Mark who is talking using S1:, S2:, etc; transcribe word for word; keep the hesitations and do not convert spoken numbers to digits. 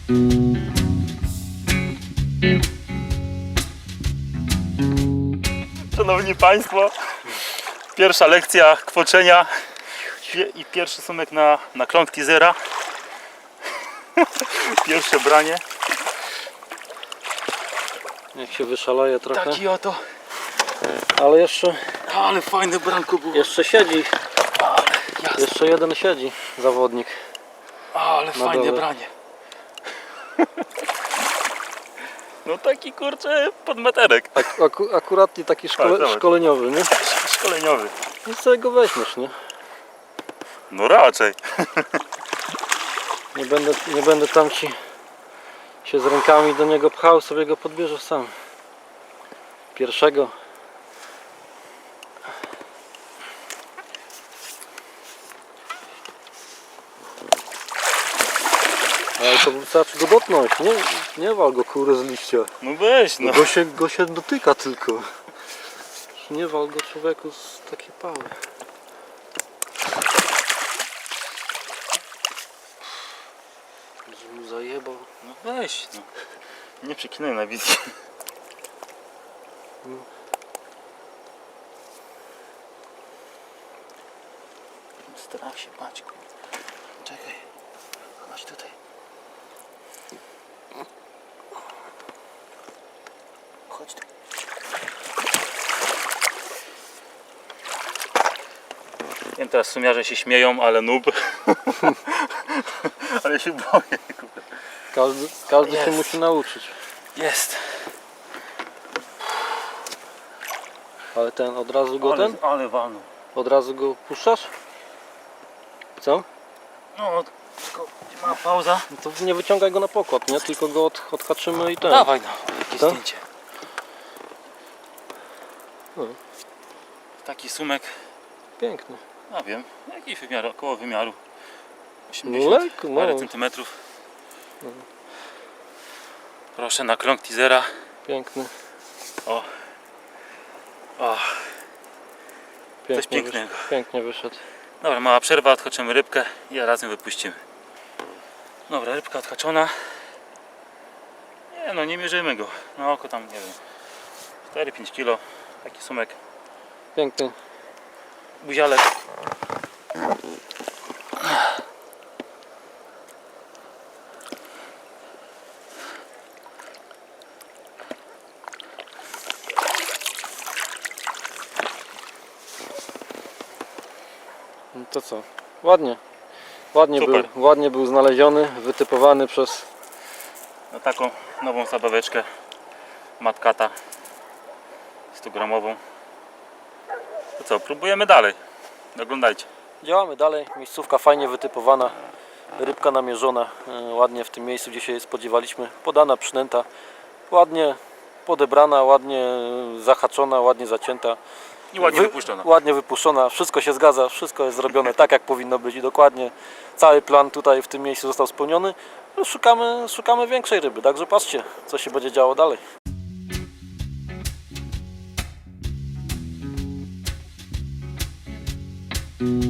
S1: Szanowni Państwo, pierwsza lekcja kwoczenia i pierwszy sumek na, na klątki zera. Pierwsze branie.
S2: Niech się wyszaleje trochę.
S1: Taki oto.
S2: Ale jeszcze,
S1: Ale fajne branko było.
S2: jeszcze siedzi.
S1: Ale, jasne.
S2: Jeszcze jeden siedzi zawodnik.
S1: Ale fajne
S2: dole.
S1: branie. No taki kurczę podmeterek.
S2: Ak aku akuratnie taki szkole
S1: Tak, zobacz.
S2: szkoleniowy, nie?
S1: Szkoleniowy.
S2: I sobie go weźmiesz, nie?
S1: No raczej.
S2: Nie będę, nie będę tam ci się z rękami do niego pchał, sobie go podbierzesz sam. Pierwszego. Ale to wystarczy go dotknąć, nie? Nie wal go kurę z liścia.
S1: No weź no.
S2: Go się, go się dotyka tylko. Nie wal go człowieku z takiej pały. Że mu zajebał.
S1: No weź no. Nie przekinaj na wizji. Staram się Maćku. Czekaj. Chodź tutaj. Chodź tu. Wiem, teraz sumiarze się śmieją, ale noob. Ale się boję.
S2: Każdy, każdy się
S1: Jest.
S2: musi nauczyć.
S1: Jest.
S2: Ale ten od razu go
S1: Ale,
S2: ten?
S1: ale walną.
S2: Od razu go puszczasz? Co?
S1: No, tylko gdzie ma pauza?
S2: No to nie wyciągaj go na pokład, nie? Tylko go od, odhaczymy i ten.
S1: Dawaj no, jakieś
S2: Co?
S1: zdjęcie.
S2: No.
S1: Taki sumek,
S2: Piękny.
S1: no wiem, jakiś wymiar, około wymiaru
S2: No
S1: osiemdziesiąt
S2: lekko,
S1: parę
S2: no.
S1: centymetrów. Proszę na krąg teasera.
S2: Piękny.
S1: O. O.
S2: Pięknie
S1: pięknego.
S2: Wyszedł. Pięknie wyszedł.
S1: Dobra, mała przerwa, odhaczymy rybkę i razem wypuścimy. Dobra, rybka odhaczona. Nie no, nie mierzymy go. Na oko tam, nie wiem, cztery pięć kilo. Taki sumek.
S2: Piękny.
S1: Buzialek.
S2: No to co? Ładnie. Ładnie był,
S1: Super.
S2: ładnie był znaleziony, wytypowany przez...
S1: Na taką nową zabaweczkę Matkata sto gramową. To co, próbujemy dalej. Oglądajcie.
S2: Działamy dalej. Miejscówka fajnie wytypowana. Rybka namierzona. e, Ładnie w tym miejscu, gdzie się jej spodziewaliśmy. Podana, przynęta. Ładnie podebrana, ładnie zahaczona, ładnie zacięta.
S1: I ładnie
S2: Wy-
S1: wypuszczono.
S2: Ładnie wypuszczona, wszystko się zgadza, wszystko jest zrobione tak jak powinno być i dokładnie cały plan tutaj w tym miejscu został spełniony. No, Szukamy, szukamy większej ryby, także patrzcie co się będzie działo dalej.
S3: Thank you.